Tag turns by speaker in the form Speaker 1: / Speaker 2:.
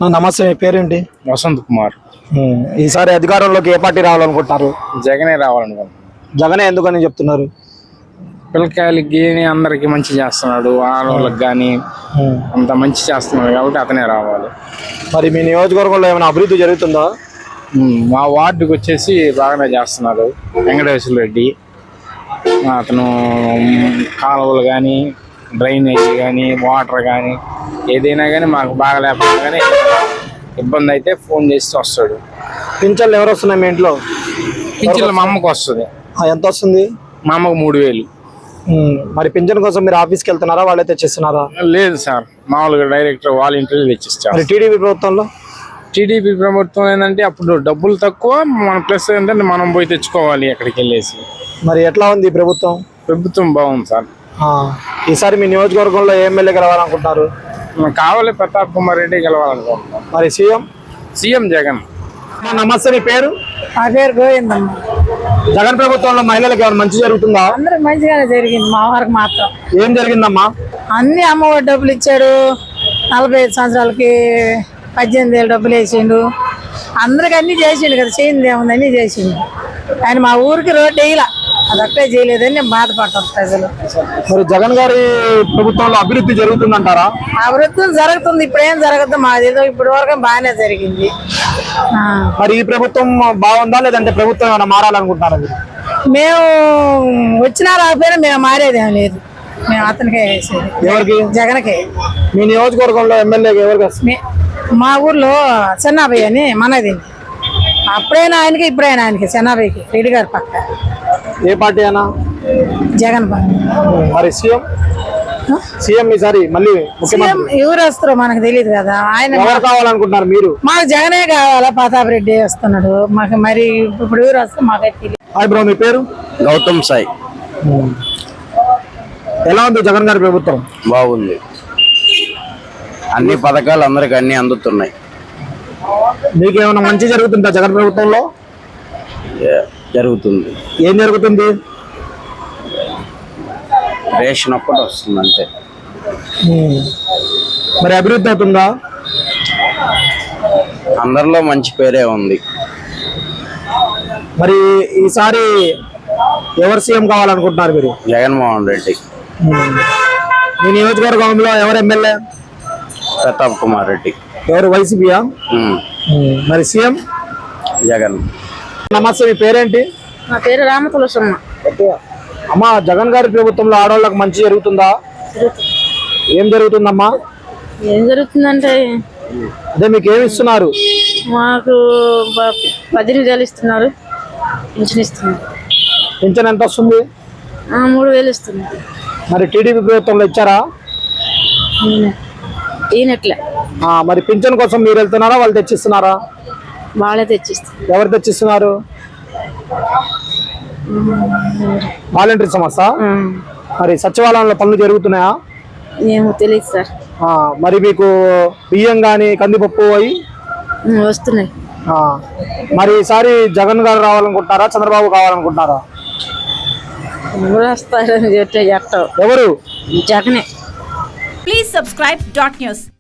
Speaker 1: నమస్తే, మీ పేరేంటి?
Speaker 2: వసంత్ కుమార్.
Speaker 1: ఈసారి అధికారంలోకి ఏ పార్టీ రావాలనుకుంటున్నారు?
Speaker 2: జగనే రావాలనుకుంటున్నాను.
Speaker 1: జగనే ఎందుకని చెప్తున్నారు?
Speaker 2: పిల్లకాయలకి అందరికి మంచి చేస్తున్నాడు, ఆడవాళ్ళకి కానీ అంత మంచి చేస్తున్నాడు కాబట్టి అతనే రావాలి.
Speaker 1: మరి మీ నియోజకవర్గంలో ఏమైనా అభివృద్ధి జరుగుతుందా?
Speaker 2: మా వార్డుకి వచ్చేసి బాగానే చేస్తున్నాడు వెంకటేశ్వర రెడ్డి. అతను కాలువలు కానీ, డ్రైనేజ్ కానీ, వాటర్ కానీ ఏదైనా కానీ మాకు బాగా లేకపోతే కానీ ఇబ్బంది అయితే ఫోన్ చేసి వస్తాడు.
Speaker 1: పింఛన్లు ఎవరు వస్తున్నాయి మీ ఇంట్లో?
Speaker 2: పింఛన్లు మా అమ్మకు వస్తుంది.
Speaker 1: ఎంత వస్తుంది?
Speaker 2: మా అమ్మకు 3000.
Speaker 1: మరి పింఛన్ కోసం మీరు ఆఫీస్కి వెళ్తున్నారా, వాళ్ళే తెచ్చిస్తున్నారా?
Speaker 2: లేదు సార్, మామూలుగా డైరెక్టర్ వాలంటీర్లు తెచ్చిస్తారు.
Speaker 1: మరి టీడీపీ ప్రభుత్వంలో?
Speaker 2: టీడీపీ ప్రభుత్వం ఏంటంటే అప్పుడు డబ్బులు తక్కువ, మన ప్లస్ ఏంటంటే మనం పోయి తెచ్చుకోవాలి అక్కడికి వెళ్ళేసి.
Speaker 1: మరి ఎట్లా ఉంది ప్రభుత్వం?
Speaker 2: ప్రభుత్వం బాగుంది సార్.
Speaker 1: ఈసారి మీ నియోజకవర్గంలో ఏ ఎమ్మెల్యే గెలవాలనుకుంటున్నారు?
Speaker 2: కావాలి ప్రతాప్ కుమార్ రెడ్డి గెలవాలనుకుంటున్నాం.
Speaker 1: మరి
Speaker 2: సీఎం జగన్.
Speaker 1: నమస్తే, మీ పేరు?
Speaker 3: నా పేరు గోవిందమ్మ.
Speaker 1: జగన్ ప్రభుత్వంలో మహిళలకు ఏమైనా మంచి జరుగుతుందా?
Speaker 3: అందరికి మంచిగానే జరిగింది, మా వారికి మాత్రం.
Speaker 1: ఏం జరిగిందమ్మా?
Speaker 3: అన్ని అమ్మఒడి డబ్బులు ఇచ్చాడు, 45 సంవత్సరాలకి 18,000 డబ్బులు వేసిండు, అందరికి అన్ని చేసిండు కదా, చేయింది ఏముంది అన్ని చేసిండు. ఆయన మా ఊరికి రోడ్డు వేయలా, అదొక్కటే చేయలేదని నేను బాధపడతాను ప్రజలు.
Speaker 1: మరి జగన్ గారి ప్రభుత్వంలో అభివృద్ధి జరుగుతుందంటారా?
Speaker 3: అభివృద్ధి జరుగుతుంది, ఇప్పుడేం జరగదు, మాదేదో ఇప్పటి వరకు బాగానే జరిగింది.
Speaker 1: మరి ఈ ప్రభుత్వం బాగుందా లేదంటే ప్రభుత్వం ఏమైనా మారాలనుకుంటున్నారా మీరు?
Speaker 3: మేము వచ్చినా రాకపోయినా మేము మారేదేం లేదు, మేము అతనికే వేసేది.
Speaker 1: ఎవరికి?
Speaker 3: జగన్కే.
Speaker 1: మీ నియోజకవర్గంలో ఎమ్మెల్యే ఎవరికి?
Speaker 3: మా ఊర్లో చెన్నాభయ్య అని మనది, అప్పుడైనా ఆయనకి ఇప్పుడైనా ఆయనకి, చెన్నాభయ్యకి, రెడ్డి గారి పక్క.
Speaker 1: ఏ పార్టీ అయినా?
Speaker 3: జగన్ పార్టీ.
Speaker 1: మరి సీఎం ఈసారి మళ్ళీ
Speaker 3: ఎవరు వస్తారో మనకు తెలియదు కదా. ఆయన
Speaker 1: ఎవరు కావాలనుకుంటున్నారు మీరు?
Speaker 3: మాకు జగనే కావాలా, ప్రతాప్ రెడ్డి వస్తున్నాడు మాకు, మరి ఇప్పుడు ఎవరు వస్తే మాకైతే తెలియదు.
Speaker 1: హాయ్ బ్రో, మీ పేరు?
Speaker 4: గౌతమ్ సాయి.
Speaker 1: ఎలా ఉంది జగన్ గారి ప్రభుత్వం?
Speaker 4: బాగుంది, అన్ని పథకాలు అందరికి అన్ని అందుతున్నాయి.
Speaker 1: మీకు ఏమైనా మంచి జరుగుతుందా జగన్ ప్రభుత్వంలో?
Speaker 4: జరుగుతుంది.
Speaker 1: ఏం జరుగుతుంది?
Speaker 4: రేషన్ ఒక్కటి వస్తుంది అంతే.
Speaker 1: మరి అభివృద్ధి అవుతుందా?
Speaker 4: అందరిలో మంచి పేరే ఉంది.
Speaker 1: మరి ఈసారి ఎవరు సీఎం కావాలనుకుంటున్నారు మీరు?
Speaker 4: జగన్మోహన్ రెడ్డి.
Speaker 1: మీ నియోజకవర్గంలో ఎవరు ఎమ్మెల్యే?
Speaker 4: ప్రతాప్ కుమార్ రెడ్డి.
Speaker 1: ఎవరు, వైసీపీయా? మరి సీఎం
Speaker 4: జగన్.
Speaker 1: నమస్తే, మీ పేరేంటి?
Speaker 3: నా పేరు రామతులసమ్మ.
Speaker 1: అమ్మా, జగన్ గారి ప్రభుత్వంలో ఆడవాళ్ళకి మంచి జరుగుతుందా? ఏం జరుగుతుందమ్మా?
Speaker 3: ఏం జరుగుతుందంటే
Speaker 1: అదే మీకు ఏమి ఇస్తున్నారు?
Speaker 3: మాకు 18,000 ఇస్తున్నారు, పింఛన్ ఇస్తున్నారు.
Speaker 1: పింఛన్ ఎంత వస్తుంది?
Speaker 3: 3,000 ఇస్తున్నారు.
Speaker 1: మరి టీడీపీ ప్రభుత్వంలో ఇచ్చారా?
Speaker 3: ఈయనట్లే.
Speaker 1: మరి పింఛన్ కోసం మీరు వెళ్తున్నారా, వాళ్ళు తెచ్చిస్తున్నారా?
Speaker 3: వాళ్ళే తెచ్చిస్తారు.
Speaker 1: ఎవరు తెచ్చిస్తున్నారు? వాలంటీర్ సంస్థ. మరి సచివాలయంలో పనులు జరుగుతున్నాయా?
Speaker 3: ఏమో తెలియదు సార్.
Speaker 1: మరి మీకు బియ్యం కానీ కందిపప్పు అవి
Speaker 3: వస్తున్నాయి.
Speaker 1: మరి ఈసారి జగన్ గారు రావాలనుకుంటున్నారా, చంద్రబాబు కావాలనుకుంటున్నారా?
Speaker 3: వస్తారని చెప్తే
Speaker 1: ఎవరు?
Speaker 3: జగనే.
Speaker 5: Please subscribe .news.